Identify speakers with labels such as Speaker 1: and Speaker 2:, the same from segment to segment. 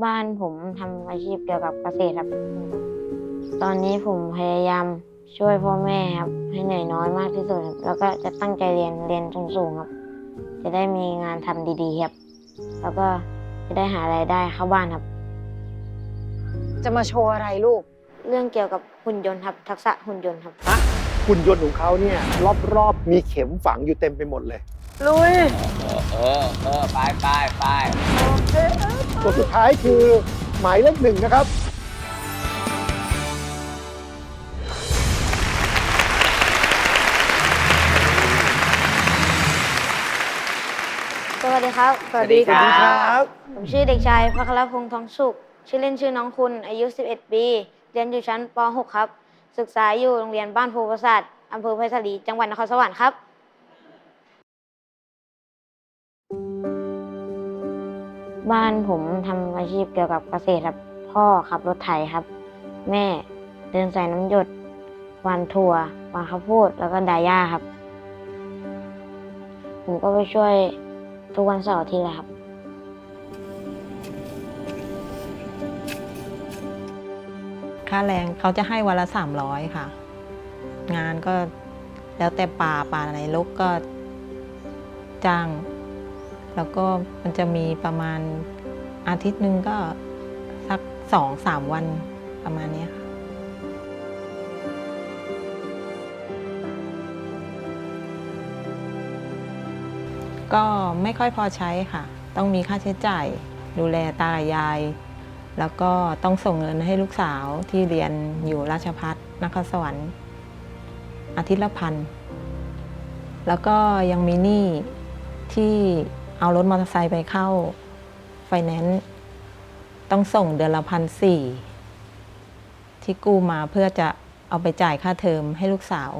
Speaker 1: บ้านผมทำอาชีพเกี่ยวกับเกษตรครับตอนนี้ผมพยายามช่วยพ่อแม่ครับให้เหนื่อยน้อยมากที่สุดครับแล้วก็จะตั้งใจเรียนสูงๆครับจะได้มีงานทำดีๆครับแล้วก็จะได้หารายได้เข้าบ้านครับ
Speaker 2: จะมาโชว์อะไรลูก
Speaker 1: เรื่องเกี่ยวกับหุ่นยนต์ครับทักษะหุ่นยนต์ครับ
Speaker 3: หุ่นยนต์ของเขาเนี่ยรอบๆมีเข็มฝังอยู่เต็มไปหมดเลย
Speaker 2: ลุย
Speaker 4: ไป
Speaker 3: ตัวสุดท้ายคือหมายเลข 1นะครับ
Speaker 1: สวัสดีครับ
Speaker 4: สวัสดีครับ
Speaker 1: ผมชื่อเด็กชายพัครพงษ์ทองสุขชื่อเล่นชื่อน้องคุณอายุ 11 ปี เรียนอยู่ชั้นป .6 ครับ ศึกษาอยู่โรงเรียนบ้านโพประสาทอำเภอไผ่สาลีจังหวัดนครสวรรค์ครับ บ้านผมทำอาชีพเกี่ยวกับเกษตรครับ พ่อขับรถไถครับ แม่เดินสายน้ำหยดหวานถั่วหวานข้าวโพดแล้วก็ดาย่าครับ ผมก็ไปช่วยทุกวันเสาร์อาทิตย์เลยครับ
Speaker 5: ค่าแรงเขาจะให้วันละ300ค่ะ งานก็แล้วแต่ป่าไหนรกก็จ้าง แล้วก็มันจะมีประมาณอาทิตย์หนึ่งก็สัก2-3 วันประมาณนี้ค่ะก็ไม่ค่อยพอใช้ค่ะ ต้องมีค่าใช้จ่ายดูแลตากับยาย แล้วก็ต้องส่งเงินให้ลูกสาวที่เรียนอยู่ราชภัฏนครสวรรค์อาทิตย์ละ1,000แล้วก็ยังมีหนี้ที่เอารถมอเตอร์ไซค์ไปเข้าไฟแนนซ์ต้องส่งเดือนละ1,400ที่กู้มาเพื่อจะเอาไปจ่ายค่าเทอมให้ลูกสาว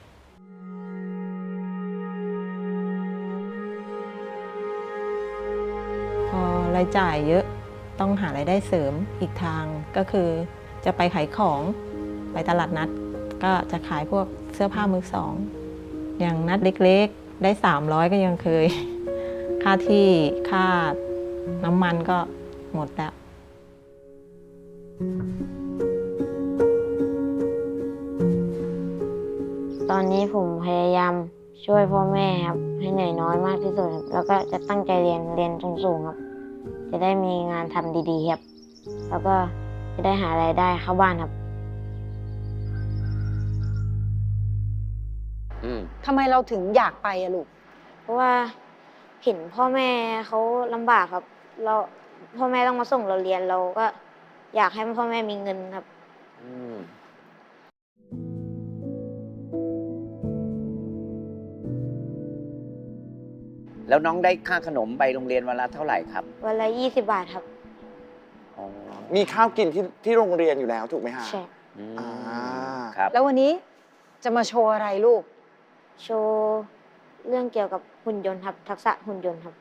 Speaker 5: พอรายจ่ายเยอะต้องหารายได้เสริมอีกทางก็คือจะไปขายของไปตลาดนัดก็จะขายพวกเสื้อผ้ามือสองอย่างนัดเล็กๆได้300ก็ยังเคย ค่าที่ค่าน้ำมันก็หมดแล้ว
Speaker 1: ตอนนี้ผมพยายามช่วยพ่อแม่ครับให้เหนื่อยน้อยมากที่สุดครับแล้วก็จะตั้งใจเรียนสูงๆครับจะได้มีงานทำดีๆครับแล้วก็จะได้หารายได้เข้าบ้านครับ
Speaker 2: ทำไมเราถึงอยากไปอะลูก
Speaker 1: เพราะว่าเห็นพ่อแม่เขาลำบากครับเราพ่อแม่ต้องมาส่งเราเรียนเราก็อยากให้พ่อแม่มีเงินครับ
Speaker 4: แล้วน้องได้ค่าขนมไปโรงเรียนวันละเท่าไหร่ครับ
Speaker 1: วันละ20 บาทครับ
Speaker 4: อ๋อ
Speaker 6: มีข้าวกินที่โรงเรียนอยู่แล้วถูกไหมฮะ
Speaker 1: ใช่
Speaker 4: อืม
Speaker 6: อ่า
Speaker 4: ครับ
Speaker 2: แล้ววันนี้จะมาโชว์อะไรลูก
Speaker 1: โชว์เรื่องเกี่ยวกับหุ่นยนต์ครับทักษะหุ่นยนต์ครับ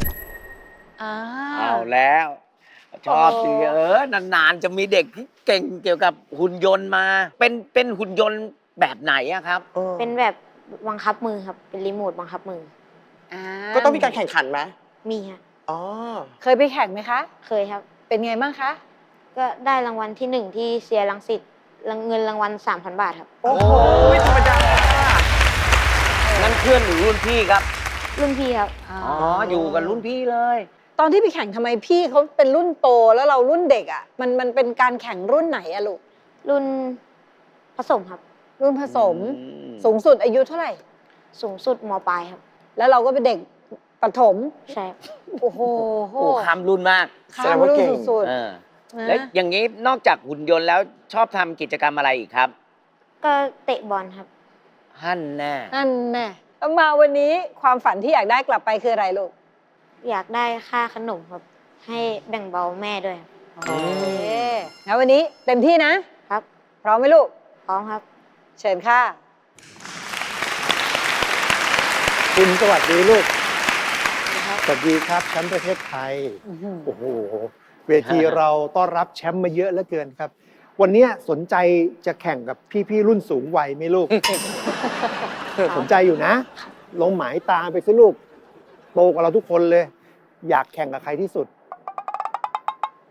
Speaker 4: เอาแล้ว ชอบสิ
Speaker 2: โอ้
Speaker 4: นานๆจะมีเด็กที่เก่งเกี่ยวกับหุ่นยนต์มา เป็นหุ่นยนต์แบบไหนอะครับ
Speaker 1: เป็นแบบบังคับมือครับเป็นรีโมทบังคับมือ
Speaker 6: ก็ต้องมีการแข่งขันไหม
Speaker 1: มีครับ
Speaker 6: อ๋อ
Speaker 2: เคยไปแข่งไหมคะ
Speaker 1: เคยครับ
Speaker 2: เป็นไงบ้างคะ
Speaker 1: ก็ได้รางวัลที่1ที่เซียรังสิตเงินรางวัล 3,000 บาทครับ
Speaker 6: โอ้โหไม่ธรรมดา
Speaker 4: นั่นเพื่อนหรือรุ่นพี่ครับ
Speaker 1: รุ่นพี่ครับ
Speaker 4: อ๋อ อยู่กับรุ่นพี่เลย
Speaker 2: ตอนที่ไปแข่งทำไมพี่เขาเป็นรุ่นโตแล้วเรารุ่นเด็กอะมันเป็นการแข่งรุ่นไหนอะลูก
Speaker 1: รุ่นผสมครับ
Speaker 2: รุ่นผสม
Speaker 4: อืม
Speaker 2: สูงสุดอายุเท่าไหร่
Speaker 1: สูงสุดมปลายครับ
Speaker 2: แล้วเราก็เป็นเด็กประถม
Speaker 1: ใช่ครับ
Speaker 2: โอ้โห
Speaker 4: โอ้ข้ามรุ่นมาก
Speaker 2: ข้ามรุ่นสุด
Speaker 4: เออ
Speaker 2: ๆนะ
Speaker 4: แล้วอย่างนี้นอกจากหุ่นยนต์แล้วชอบทำกิจกรรมอะไรอีกครับ
Speaker 1: ก็เตะบอลครับ
Speaker 4: ฮั่นแน่
Speaker 2: นั่นแน่แล้วมาวันนี้ความฝันที่อยากได้กลับไปคืออะไรลูก
Speaker 1: อยากได้ค่าขนมครับ ให้แบ่งเบาแม่ด้วยครับ
Speaker 2: โอเคงั้นวันนี้เต็มที่นะ
Speaker 1: ครับ
Speaker 2: พร้อมไหมลูก
Speaker 1: พร้อมครับ
Speaker 2: เชิญค่ะ
Speaker 3: คุณสวัสดีลูก
Speaker 1: ครับ
Speaker 3: สวัสดีครับแชมป์ประเทศไทย โอ้โห เวทีเราต้อนรับแชมป์มาเยอะเหลือเกินครับ วันเนี้ยสนใจจะแข่งกับพี่ๆรุ่นสูงวัยไหมลูก สนใจอยู่นะ ลงหมายตามไปสิลูก โตกว่าเราทุกคนเลย อยากแข่งกับใครที่สุด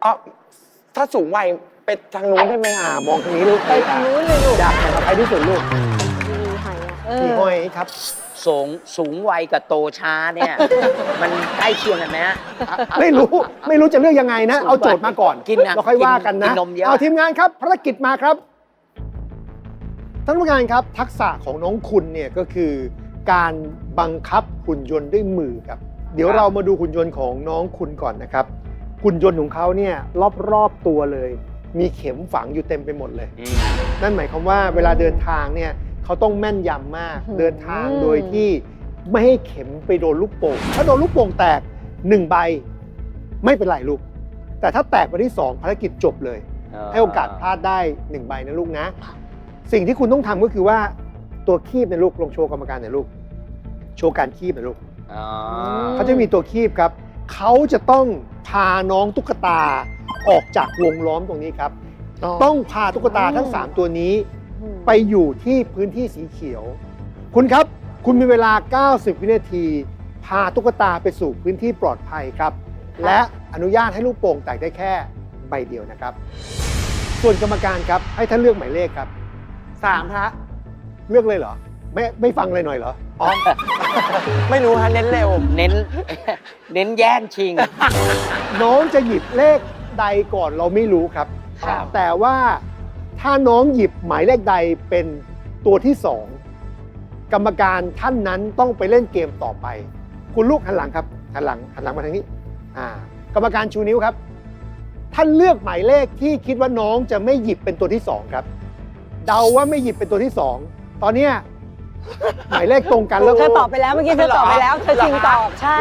Speaker 6: อ๋อถ้าสูงวัยไปทางนู้นได้ไหมฮะ
Speaker 3: มองทางนี้ลูก
Speaker 2: ไปทางนู้นเลยลูก
Speaker 3: อยากแข่งกับใครที่สุดลูก
Speaker 1: มีหอยอะ
Speaker 3: พี่ห้อยครับ
Speaker 4: สูงวัยกับโตช้าเนี่ย มันใกล้เคียงกันไหมฮะ
Speaker 3: ไม่รู้จะเลือกยังไงนะ เอาโจทย์มาก่อน
Speaker 4: กินนะ
Speaker 3: เราค่อยว่ากันนะ
Speaker 4: กินนมเยอะ
Speaker 3: เอาทีมงานครับภารกิจมาครับท่านผู้การครับ ทักษะของน้องคุณเนี่ยก็คือการบังคับหุ่นยนต์ด้วยมือครับ เดี๋ยวเรามาดูหุ่นยนต์ของน้องคุณก่อนนะครับหุ่นยนต์ของเขาเนี่ยรอบๆตัวเลย มีเข็มฝังอยู่เต็มไปหมดเลย นั่นหมายความว่าเวลาเดินทางเนี่ยเขาต้องแม่นยำมาก เดินทางโดยที่ไม่ให้เข็มไปโดนลูกโป่งถ้าโดนลูกโป่งแตก1ใบไม่เป็นไรลูก แต่ถ้าแตกใบที่2ภารกิจจบเลย ให้โอกาสพลาดได้1ใบนะลูกนะ สิ่งที่คุณต้องทำก็คือว่าตัวคีบในยลูกลองโชว์กรรมการหน่อยลูก โชว์การคีบหน่อยลูก เขาจะมีตัวคีบครับ เขาจะต้องพาน้องตุ๊กตาออกจากวงล้อมตรงนี้ครับ ต้องพาตุ๊กตาทั้ง 3 ตัวนี้ ไปอยู่ที่พื้นที่สีเขียว คุณครับ คุณมีเวลา 90 วินาที พาตุ๊กตาไปสู่พื้นที่ปลอดภัยครับ และอนุญาตให้ลูกโป่งแตกได้แค่ใบเดียวนะครับ ส่วนกรรมการครับให้ท่านเลือกหมายเลขครับ
Speaker 6: 3 ฮะ
Speaker 3: เลือกเลยเหรอ ไม่ฟังเลยหน่อยเหรอ
Speaker 6: อ๋อ ไม่รู้ฮะ เน้นเร็ว
Speaker 4: เน้น เน้นแย่งชิง
Speaker 3: น้องจะหยิบเลขใดก่อนเราไม่รู้ครับ
Speaker 4: ครับ
Speaker 3: แต่ว่าถ้าน้องหยิบหมายเลขใดเป็นตัวที่ 2 กรรมการท่านนั้นต้องไปเล่นเกมต่อไป คุณลูกหันหลังครับหันหลังมาทางนี้กรรมการชูนิ้วครับ ท่านเลือกหมายเลขที่คิดว่าน้องจะไม่หยิบเป็นตัวที่ 2 ครับ เดาว่าไม่หยิบเป็นตัวที่ 2 ตอนเนี้ยหมายเลขตรงกันแล้ว
Speaker 2: เธอตอบไปแล้วเมื่อกี้เธอตอบไปแล้ว เธอชิงตอบใช่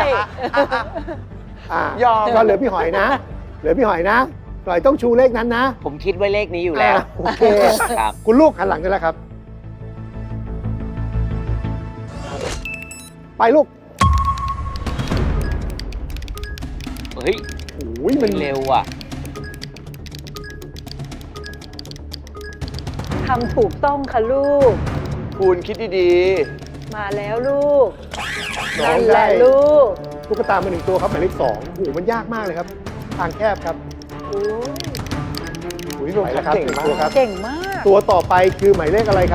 Speaker 6: ยอม
Speaker 3: ก็เหลือพี่หอยนะ เหลือพี่หอยนะหอยต้องชูเลขนั้นนะ
Speaker 4: ผมคิดไว้เลขนี้อยู่แล้ว
Speaker 3: โอเค
Speaker 4: ครับ
Speaker 3: คุณลูกหันหลังได้แล้วครับ ไปลูก
Speaker 4: เฮ้ย
Speaker 3: โอ้ยมัน
Speaker 4: เร็วอ่ะ
Speaker 2: ทำถูกต้องค่ะลูก
Speaker 6: คุณคิดดี
Speaker 2: มาแล้วลูก
Speaker 3: น้อ
Speaker 2: นั่
Speaker 3: ง
Speaker 2: นแห
Speaker 3: ได้
Speaker 2: ละลูก
Speaker 3: ตุ๊กตามา1 ตัวครับหมายเลข 2โอ้โหมันยากมากเลยครับ ทางแคบครับ
Speaker 2: โอ้ย
Speaker 3: โอ้ยไปแล้วครับ
Speaker 6: เก่ง
Speaker 3: หนึ่
Speaker 6: มาก
Speaker 3: ตัวครับ
Speaker 2: เก่งมาก
Speaker 3: ตัวต่อไปคือหมายเลขอะไรครับ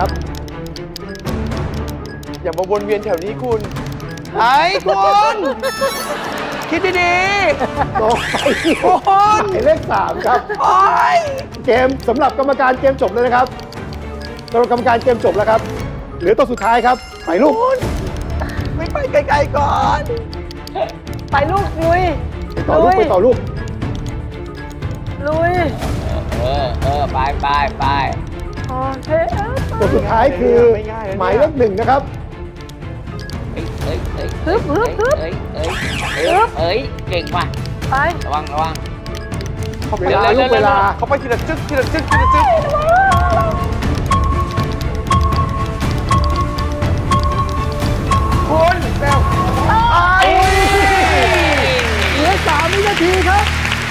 Speaker 6: ๆ อย่ามาวนเวียนแถวนี้คุณ ไอ้คุณคิดดี
Speaker 3: ต่อไป
Speaker 6: ๆคุณ
Speaker 3: หมายเลข 3 ครับ
Speaker 6: โอ๊ย
Speaker 3: เกมสำหรับกรรมการเกมจบเลยนะครับสำหรับกรรมการเกมจบแล้วครับ เหลือตัวสุดท้ายครับ ไปลูก
Speaker 6: ไม่ไปไกลๆก่อน
Speaker 2: ไปลูกลุย
Speaker 3: ต่อลูกไปต่อลูก
Speaker 2: ลุย
Speaker 4: ไป
Speaker 2: โอเค
Speaker 3: ตัวสุดท้ายคือ
Speaker 6: ไม่ง่ายนะเนี่ย
Speaker 3: หมายเลข 1 นะครับ
Speaker 2: ฮึบฮึบฮึบ
Speaker 4: เอ้ย เก่งว่ะ
Speaker 2: ไป
Speaker 4: ระวัง
Speaker 3: เวลาลูกเวลา
Speaker 6: เขาไปทีละจึ๊กทีละจึ๊กทีละจึ๊กคุณเร็ว
Speaker 3: เหลือ3 วินาทีครับ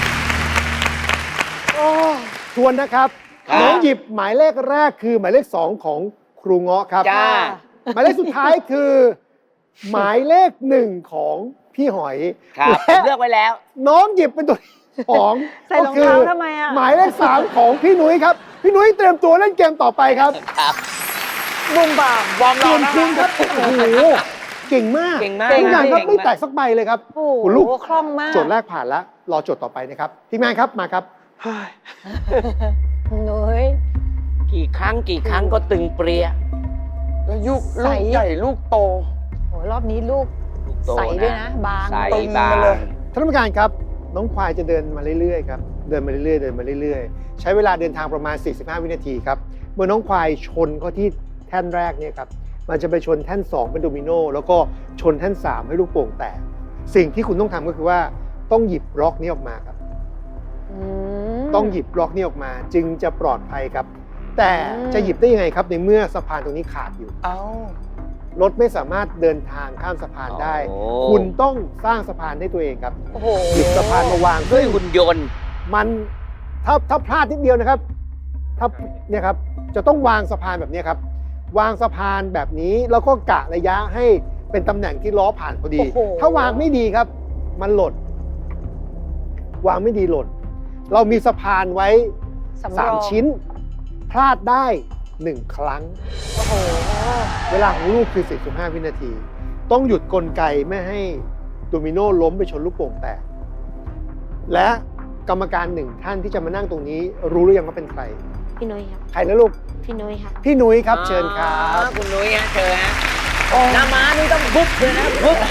Speaker 3: ทวนนะครับ
Speaker 4: ครับ
Speaker 3: น้องหยิบหมายเลขแรกคือหมายเลข 2 ของครูเงาะครับ
Speaker 4: จ้า
Speaker 3: หมายเลขสุดท้ายคือ หมายเลข 1 ของพี่หอย
Speaker 4: ครับ
Speaker 3: และ
Speaker 4: เลือกไว้แล้ว
Speaker 3: น้องหยิบเป็นตัวที่สอง
Speaker 2: ใส่รองเท้าทำไมอะ
Speaker 3: หมายเลข 3 ของพี่นุ้ยครับ พี่นุ้ยเตรียมตัวเล่นเกมต่อไปครับ
Speaker 4: ครับ
Speaker 2: บุมบ่าม
Speaker 6: วอร์ม
Speaker 3: ส่
Speaker 6: เรา
Speaker 3: วน
Speaker 6: นะ
Speaker 3: คุณครับ โอ้โห เก่งมาก
Speaker 4: เก่งมาก
Speaker 3: ทุกอย่างครับ
Speaker 4: เก่งมาก
Speaker 3: ไม่แตกสักใบเลยครับ
Speaker 2: โอ้
Speaker 3: คุณลูก
Speaker 2: โหคล่องมาก
Speaker 3: โจทย์แรกผ่านแล้ว รอโจทย์ต่อไปนะครับ ทีมงานครับ มาครับ
Speaker 6: เฮ้ย
Speaker 2: นุ้ย
Speaker 4: กี่ครั้งก็ตึงเปรีย
Speaker 6: แล้วลูก
Speaker 2: ใส
Speaker 6: ใหญ่ลูกโต
Speaker 2: โหรอบนี้ลูกใสด้วยนะ บาง
Speaker 4: ใส
Speaker 6: ตึง
Speaker 4: บาง
Speaker 6: มาเลย
Speaker 3: ท่านผู้การครับ น้องควายจะเดินมาเรื่อยๆครับ เดินมาเรื่อยๆ เดินมาเรื่อยๆ ใช้เวลาเดินทางประมาณ 45 วินาทีครับ เมื่อน้องควายชนเข้าที่แท่นแรกเนี่ยครับ มันจะไปชนแท่น 2 เป็นโดมิโน แล้วก็ชนแท่น 3 ให้ลูกโป่งแตก สิ่งที่คุณต้องทำก็คือว่าต้องหยิบล็อกนี้ออกมาครับ
Speaker 2: อืม
Speaker 3: ต้องหยิบล็อกนี้ออกมาจึงจะปลอดภัยครับ แต่จะหยิบได้ยังไงครับในเมื่อสะพานตรงนี้ขาดอยู่
Speaker 6: เอ้า
Speaker 3: รถไม่สามารถเดินทางข้ามสะพานได้
Speaker 4: โอ้
Speaker 3: คุณต้องสร้างสะพานให้ตัวเองครับ
Speaker 2: โอ้โห
Speaker 3: หยิบสะพานมาวาง
Speaker 4: ด้วยหุ่นยนต์
Speaker 3: มันถ้าพลาดนิดเดียวนะครับ ถ้าเนี่ยครับจะต้องวางสะพานแบบนี้ครับ วางสะพานแบบนี้แล้วก็กะระยะให้เป็นตำแหน่งที่ล้อผ่านพอดี
Speaker 2: โอ้โห
Speaker 3: ถ้าวางไม่ดีครับ มันหล่นวางไม่ดีหล่นเรามีสะพานไว้
Speaker 2: สำรอง
Speaker 3: 3 ชิ้น พลาดได้ 1 ครั้ง
Speaker 2: โอ้โห
Speaker 3: เวลาของลูกคือ 45 วินาที ต้องหยุดกลไกไม่ให้โดมิโนล้มไปชนลูกโป่งแตก และกรรมการหนึ่งท่านที่จะมานั่งตรงนี้ รู้หรือยังว่าเป็นใคร
Speaker 1: พี่นุ้ยครับ
Speaker 3: ใครนะลูก
Speaker 1: พี่นุ้ยครับ
Speaker 3: พี่นุ้ยครับเชิญครับ
Speaker 4: คุณนุ้ยฮะเชิญฮะหน้าม้านี่ต้องบุ๊บเลยนะบุ๊บ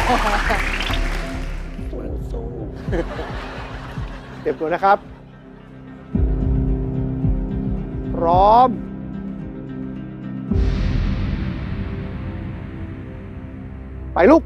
Speaker 3: เตรียมตัวนะครับ พร้อม ไปลูก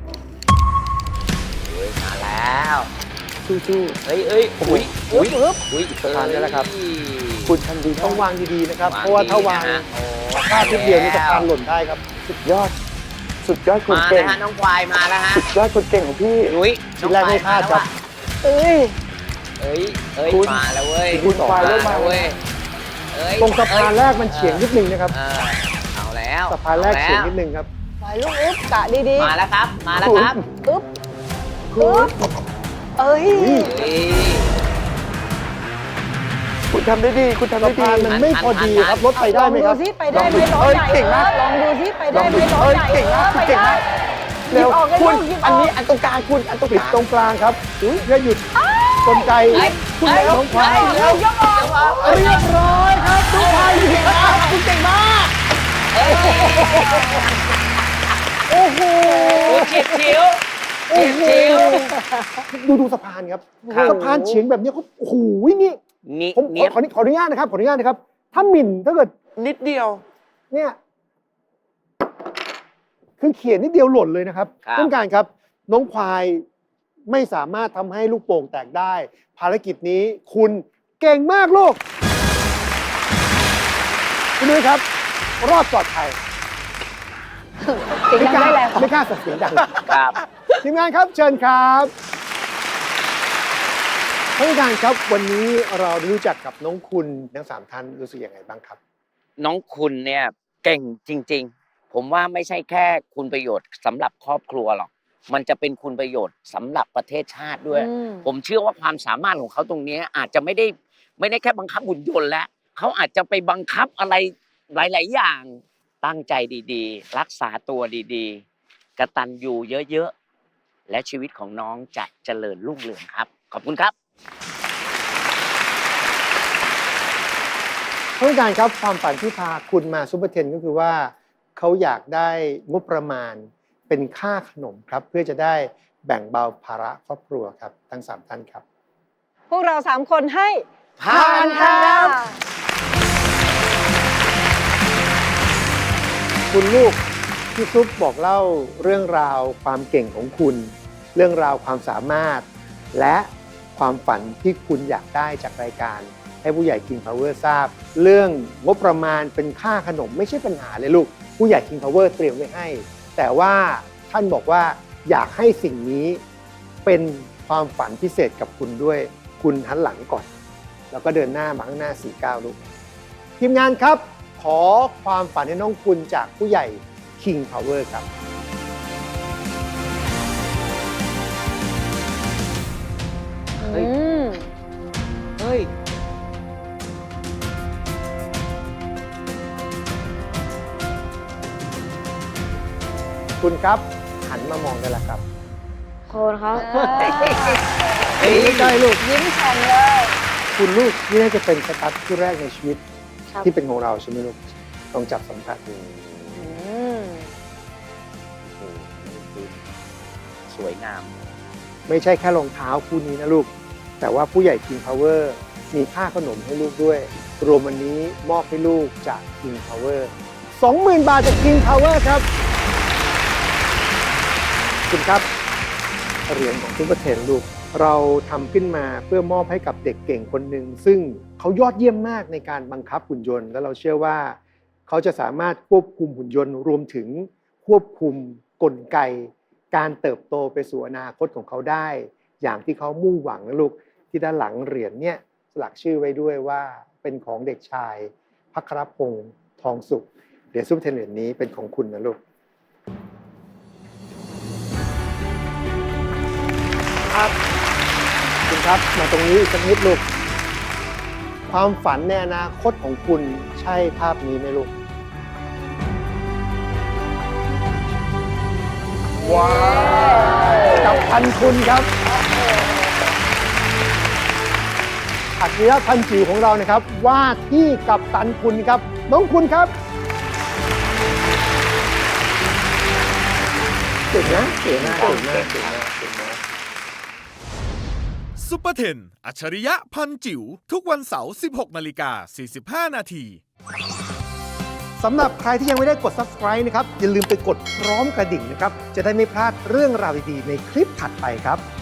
Speaker 4: มาแล้ว
Speaker 3: สู้
Speaker 4: เอ้ยอุ้ยอุ้ยอุ้ย
Speaker 3: ทานได้แล้วครับ
Speaker 6: ๆ คุณทำดี
Speaker 3: ๆ
Speaker 6: ต้
Speaker 3: ต้
Speaker 6: อ
Speaker 3: อง งวางดีๆนะครับ เพราะว่าถ้าวางพลาด
Speaker 4: โอ้
Speaker 3: ทุกเดียวนี่จะพานหล่นได้ครับ
Speaker 6: สุดยอด สุดยอดคน
Speaker 4: มา
Speaker 6: เก่
Speaker 4: แล้ว
Speaker 6: ง
Speaker 4: ฮะน้องควายมาแล้วฮะ
Speaker 6: สุดยอดคนเก่งของพี่
Speaker 4: นุ้ย
Speaker 3: ชิ้นแรกไม่พลาดครับ
Speaker 2: เอ้ย
Speaker 4: เอ้ย
Speaker 6: คุณ
Speaker 4: มาแล้วเว้ย
Speaker 6: คุณควายเริ่มมา
Speaker 4: แล้วเว้ยเอ้ย
Speaker 3: ตรงสะพานแรกมันเฉียงนิดนึงนะครับ
Speaker 4: เอาแล้ว
Speaker 3: สะพานแรกเฉียงนิดนึงครับ
Speaker 2: ไปลูกอึ๊บกะดี
Speaker 4: มาแล้วครับ มาแล้วครับ
Speaker 2: ๆอึ๊บอึ๊บเอ้ย
Speaker 4: เอ้ย
Speaker 6: คุณทำได้ดี คุณทำได้
Speaker 3: สะ
Speaker 6: ดี
Speaker 3: พานมันไม่พอดีครับ รถไป
Speaker 2: ล
Speaker 3: ได้
Speaker 2: อง
Speaker 3: ไหม
Speaker 2: ดู
Speaker 3: ครับ
Speaker 2: ซิไปได้ไหมล้อใหญ่
Speaker 6: เก่งมาก
Speaker 2: ลองดูซิไปได้ไหมล้อใหญ่
Speaker 6: เก่งมาก
Speaker 2: ไป
Speaker 6: เก่ง
Speaker 2: ได้
Speaker 6: มาก
Speaker 2: หยิบออกเลย
Speaker 6: คุ
Speaker 2: ลู
Speaker 6: ณ
Speaker 2: กหยิบอ
Speaker 6: อัน
Speaker 2: อก
Speaker 6: นี้อันตรงกลางคุณอันตรง
Speaker 3: ปิด
Speaker 6: กลาง
Speaker 3: ตรงกลางครับเพื่อหยุดกลไกคุณน้องควายแล้ว
Speaker 2: ยกออก
Speaker 3: เรียบร้อยครับน้องควายหยุดครับคุณเก่งมาก โอ้โห
Speaker 4: เฉียดฉิว
Speaker 3: โอ้โห
Speaker 4: เฉียดฉิว
Speaker 3: ดูสะพานครับ
Speaker 4: ครับ
Speaker 3: สะพานเฉียงแบบนี้เขาโอ้โหนี่
Speaker 4: นี่
Speaker 3: ผม
Speaker 4: เนียบ
Speaker 3: ขออนุญาตนะครับขออนุญาตนะครับ ถ้าหมิ่นถ้าเกิด
Speaker 6: นิดเดียว
Speaker 3: เนี่ยคือเขียนนิดเดียวหล่นเลยนะครับ
Speaker 4: ครับ
Speaker 3: ต้องการครับ น้องควายไม่สามารถทำให้ลูกโป่งแตกได้ ภารกิจนี้คุณเก่งมากลูกคุณนุ้ยครับ รอดปลอดภัย
Speaker 2: เสียงดังได้แล้ว
Speaker 3: ไม่กล้าส่งเสียงดัง
Speaker 4: ครับ
Speaker 3: ทีมงานครับเชิญครับท่านผู้การครับวันนี้เราได้รู้จักกับน้องคุณทั้ง3ท่านรู้สึกยังไงบ้างครับ
Speaker 4: น้องคุณเนี่ยเก่งจริง ๆ ผมว่าไม่ใช่แค่คุณประโยชน์สำหรับครอบครัวหรอก มันจะเป็นคุณประโยชน์สำหรับประเทศชาติด้วย ผมเชื่อว่าความสามารถของเขาตรงนี้อาจจะไม่ได้แค่บังคับหุ่นยนต์แล้วเขาอาจจะไปบังคับอะไรหลาย ๆ อย่างตั้งใจดีๆ รักษาตัวดีๆกตัญญูเยอะๆและชีวิตของน้องจะเจริญรุ่งเรืองครับ ขอบคุณครับ
Speaker 3: ท่านผู้การครับความฝันที่พาคุณมาซูเปอร์เทนก็คือว่าเขาอยากได้งบประมาณเป็นค่าขนมครับ เพื่อจะได้แบ่งเบาภาระครอบครัวครับทั้ง3ท่านครับ
Speaker 2: พวกเรา3คนให้
Speaker 4: ผ่านครับ
Speaker 3: คุณลูกพี่ซุปบอกเล่าเรื่องราวความเก่งของคุณ เรื่องราวความสามารถ และความฝันที่คุณอยากได้จากรายการ ให้ผู้ใหญ่ King Power ทราบ เรื่องงบประมาณเป็นค่าขนมไม่ใช่ปัญหาเลยลูกผู้ใหญ่ King Power เตรียมไว้ให้ แต่ว่าท่านบอกว่าอยากให้สิ่งนี้เป็นความฝันพิเศษกับคุณด้วยคุณหันหลังก่อน แล้วก็เดินหน้ามาข้างหน้า 49 ลูกทีมงานครับ ขอความฝันให้น้องคุณจากผู้ใหญ่ King Power ครับ
Speaker 4: เฮ้ย เฮ้ย
Speaker 3: คุณครับหันมามองได้แล้วครับ
Speaker 1: โคนครับ
Speaker 3: เฮ้ยไม่ใช่ลูก
Speaker 2: ยิ้มแฉ่งเลย
Speaker 3: คุณลูกนี่น่าจะเป็นสตาร์ทที่แรกในชีวิต
Speaker 1: ครับ
Speaker 3: ที่เป็นของเราใช่ไหมลูกลองจับสัมผัสดู
Speaker 4: สวยงาม
Speaker 3: ไม่ใช่แค่รองเท้าคู่นี้นะลูก แต่ว่าผู้ใหญ่ King Power มีค่าขนมให้ลูกด้วย รวมวันนี้มอบให้ลูกจาก King Power 20,000 บาทจาก King Power ครับคุณครับเหรียญของซุปเปอร์เทนลูก เราทำขึ้นมาเพื่อมอบให้กับเด็กเก่งคนหนึ่งซึ่งเขายอดเยี่ยมมากในการบังคับหุ่นยนต์ และเราเชื่อว่าเขาจะสามารถควบคุมหุ่นยนต์ รวมถึงควบคุมกลไก การเติบโตไปสู่อนาคตของเขาได้ อย่างที่เขามุ่งหวังนะลูกที่ด้านหลังเหรียญเนี่ยสลักชื่อไว้ด้วยว่าเป็นของเด็กชายภัครพงษ์ทองสุขเหรียญซุปเปอร์เทนเหรียญนี้เป็นของคุณนะลูกครับคุณครับมาตรงนี้อีกสักนิดลูกความฝันในอนาคตของคุณใช่ภาพนี้ไหมลูก ว้าว กับพันคุณครับอัจฉริยะพันจิ๋วของเรานะครับ ว่าที่กับตันคุณครับ น้องคุณครับเก่งนะเก่งมากเก่งมากเก่งมากเก่งมาก
Speaker 7: ซุปเปอร์เทนอัจฉริยะพันจิ๋วทุกวันเสาร์ 16:45 นาที
Speaker 3: สำหรับใครที่ยังไม่ได้กด subscribe นะครับ อย่าลืมไปกดพร้อมกระดิ่งนะครับ จะได้ไม่พลาดเรื่องราวดีๆในคลิปถัดไปครับ